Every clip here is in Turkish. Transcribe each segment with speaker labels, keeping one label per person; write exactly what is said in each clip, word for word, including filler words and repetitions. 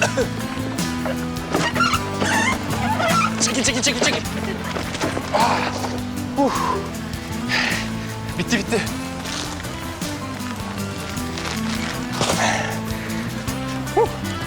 Speaker 1: Çekil, çekil, çekil, çekil. Ah. Uh. Bitti, bitti. Uh.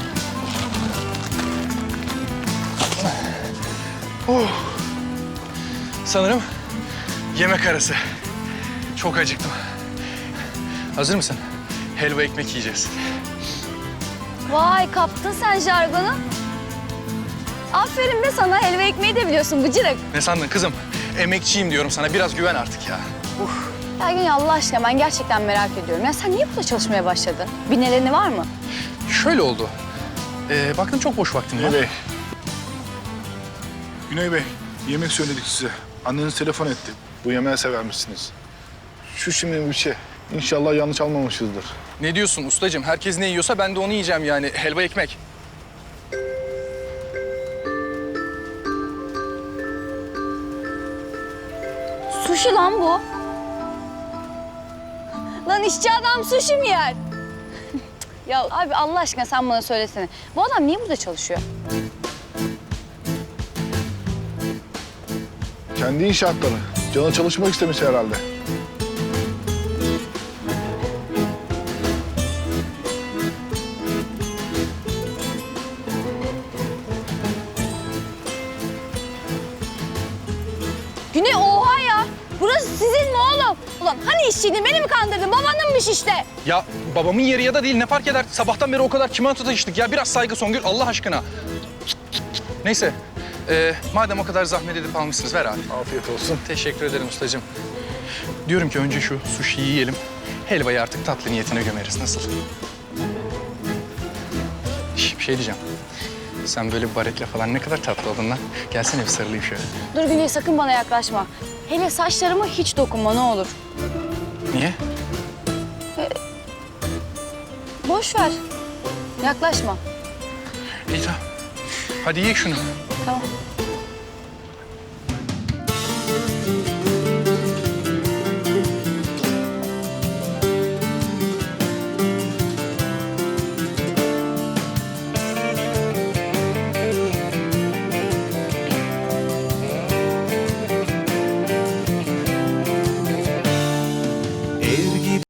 Speaker 1: Uh. Sanırım yemek arası. Çok acıktım. Hazır mısın? Helva ekmek yiyeceğiz.
Speaker 2: Vay kaptın sen jargonu. Aferin be sana, helva ekmeği de biliyorsun bıcırık.
Speaker 1: Ne sandın kızım? Emekçiyim diyorum sana. Biraz güven artık ya. Uh.
Speaker 2: Ya Güney Allah aşkına ben gerçekten merak ediyorum. Ya sen niye burada çalışmaya başladın? Bir nedeni var mı?
Speaker 1: Şöyle oldu. Ee, baktım çok boş vaktim var.
Speaker 3: Güney Bey. Güney Bey, yemek söyledik size. Anneniz telefon etti. Bu yemeği sever misiniz? Şu şimdi bir şey. İnşallah yanlış almamışızdır.
Speaker 1: Ne diyorsun ustacığım? Herkes ne yiyorsa ben de onu yiyeceğim yani. Helva ekmek.
Speaker 2: Sushi lan bu. Lan işçi adam sushi mi yer? Ya abi Allah aşkına sen bana söylesene. Bu adam niye burada çalışıyor?
Speaker 3: Kendi inşaatları. Canı çalışmak istemiş herhalde.
Speaker 2: Güney oha ya. Burası sizin mi oğlum? Ulan hani işçiydin beni mi kandırdın? Babanınmış işte.
Speaker 1: Ya babamın yeri ya da değil ne fark eder? Sabahtan beri o kadar çimento taşıdık ya. Biraz saygı Songül Allah aşkına. Neyse. Ee, madem o kadar zahmet edip almışsınız ver abi.
Speaker 3: Afiyet olsun.
Speaker 1: Teşekkür ederim ustacığım. Diyorum ki önce şu sushi'yi yiyelim. Helvayı artık tatlı niyetine gömeriz. Nasıl? Şş, bir şey diyeceğim. Sen böyle baretle falan ne kadar tatlı oldun lan. Gelsene bir sarılayım şöyle.
Speaker 2: Dur Güney sakın bana yaklaşma. Hele saçlarıma hiç dokunma ne olur.
Speaker 1: Niye?
Speaker 2: Boş ver. Yaklaşma.
Speaker 1: İyi tamam. Hadi ye şunu.
Speaker 2: Tamam.